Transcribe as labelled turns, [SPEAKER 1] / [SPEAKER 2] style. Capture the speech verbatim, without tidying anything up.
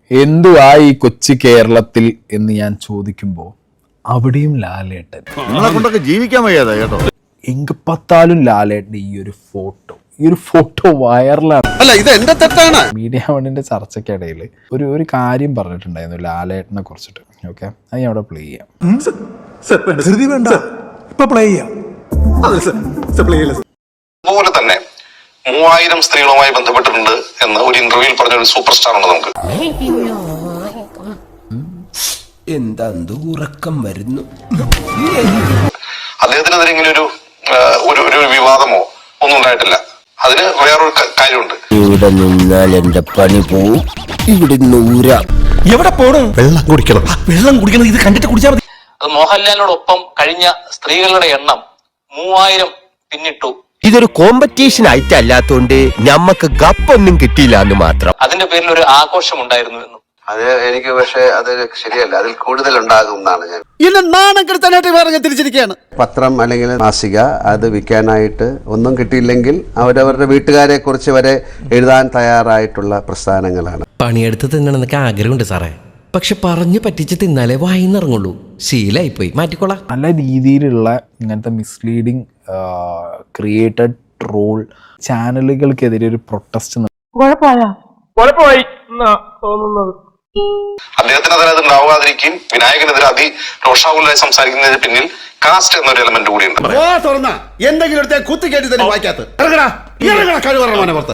[SPEAKER 1] എന്തുവാ ഈ കൊച്ചു കേരളത്തിൽ എന്ന് ഞാൻ ചോദിക്കുമ്പോൾ അവിടെയും ലാലേട്ടൻ.
[SPEAKER 2] നിങ്ങളെ കൊണ്ടൊക്കെ ജീവിക്കാൻ വയ്യാതെ കേട്ടോ.
[SPEAKER 1] എങ്കപ്പത്താലും ലാലേട്ടൻ്റെ ഈ ഒരു ഫോട്ടോ ഈ ഒരു ഫോട്ടോ വൈറലാണ്.
[SPEAKER 3] അല്ല, ഇത് എന്റെ തെറ്റാണ്.
[SPEAKER 1] മീഡിയ വണ്ണിന്റെ ചർച്ചയ്ക്കിടയിൽ ഒരു ഒരു കാര്യം പറഞ്ഞിട്ടുണ്ടായിരുന്നു ലാലേട്ടനെ കുറിച്ചിട്ട്. ഓക്കെ, അത് ഞാൻ അവിടെ പ്ലേ ചെയ്യാം.
[SPEAKER 4] അതുപോലെ തന്നെ മൂവായിരം സ്ത്രീകളുമായി ബന്ധപ്പെട്ടിട്ടുണ്ട് എന്ന് ഒരു ഇന്റർവ്യൂവിൽ പറഞ്ഞ ഒരു സൂപ്പർ സ്റ്റാർ ഉണ്ട് നമുക്ക്.
[SPEAKER 5] എന്താ ഉറക്കം വരുന്നു.
[SPEAKER 4] അദ്ദേഹത്തിനെതിരെ ഇങ്ങനെ ഒരു ഒരു ഒരു വിവാദമോ ഒന്നും ഉണ്ടായിട്ടില്ല. അതിന് വേറൊരു കാര്യമുണ്ട്.
[SPEAKER 5] ഇവിടെ നിന്നാൽ എന്റെ പണി പോവും. ഇവിടെ നൂരാ എവിടെ പോണം? വെള്ളം കുടിക്കണം. വെള്ളം കുടിക്കണം. ഇത് കണ്ടിട്ട് കുടിച്ചാൽ മതി.
[SPEAKER 6] അത് മോഹൻലാലിനോടൊപ്പം കഴിഞ്ഞ സ്ത്രീകളുടെ എണ്ണം മൂവായിരം പിന്നിട്ടു.
[SPEAKER 5] ഇതൊരു കോമ്പറ്റീഷൻ ആയിട്ട് അല്ലാത്തോണ്ട് ഞമ്മക്ക് ഗപ്പൊന്നും കിട്ടിയില്ല എന്ന് മാത്രം.
[SPEAKER 6] അതിന്റെ പേരിൽ ഒരു ആഘോഷം ഉണ്ടായിരുന്നു എന്നും.
[SPEAKER 7] അത് എനിക്ക് പക്ഷേ അത് ശരിയല്ല. അതിൽ കൂടുതൽ ഉണ്ടാകും എന്നാണ് ഞാൻ.
[SPEAKER 3] എന്നെ നാണം കെടുത്താനായിട്ട് വേറെ തിരിച്ചിരിക്കുകയാണ്.
[SPEAKER 7] പത്രം അല്ലെങ്കിൽ മാസിക അത് വിൽക്കാനായിട്ട് ഒന്നും കിട്ടിയില്ലെങ്കിൽ അവരവരുടെ വീട്ടുകാരെ കുറിച്ച് വരെ എഴുതാൻ തയ്യാറായിട്ടുള്ള പ്രസ്ഥാനങ്ങളാണ്.
[SPEAKER 8] പണിയെടുത്ത് തിന്നണമെന്നൊക്കെ ആഗ്രഹമുണ്ട് സാറേ, പക്ഷെ പറഞ്ഞു പറ്റിച്ച് തിന്നാലേ വായിന്നിറങ്ങുള്ളൂ. ശീലായിപ്പോയി, മാറ്റിക്കോളാം.
[SPEAKER 1] നല്ല രീതിയിലുള്ള ഇങ്ങനത്തെ മിസ്ലീഡിങ് ക്രിയേറ്റഡ് ട്രോൾ ചാനലുകൾക്കെതിരെ ഒരു പ്രൊട്ടസ്റ്റ്
[SPEAKER 4] അദ്ദേഹത്തിനെതിരെ അത് ഉണ്ടാവാതിരിക്കും. വിനായകനെതിരെ അതി രോഷാകുലായി സംസാരിക്കുന്നതിന് പിന്നിൽ കാസ്റ്റ് എന്നൊരു എലമെന്റ് കൂടിയുണ്ട്.
[SPEAKER 3] എന്തെങ്കിലും കുത്തി കേട്ടി തന്നെ വായിക്കാത്ത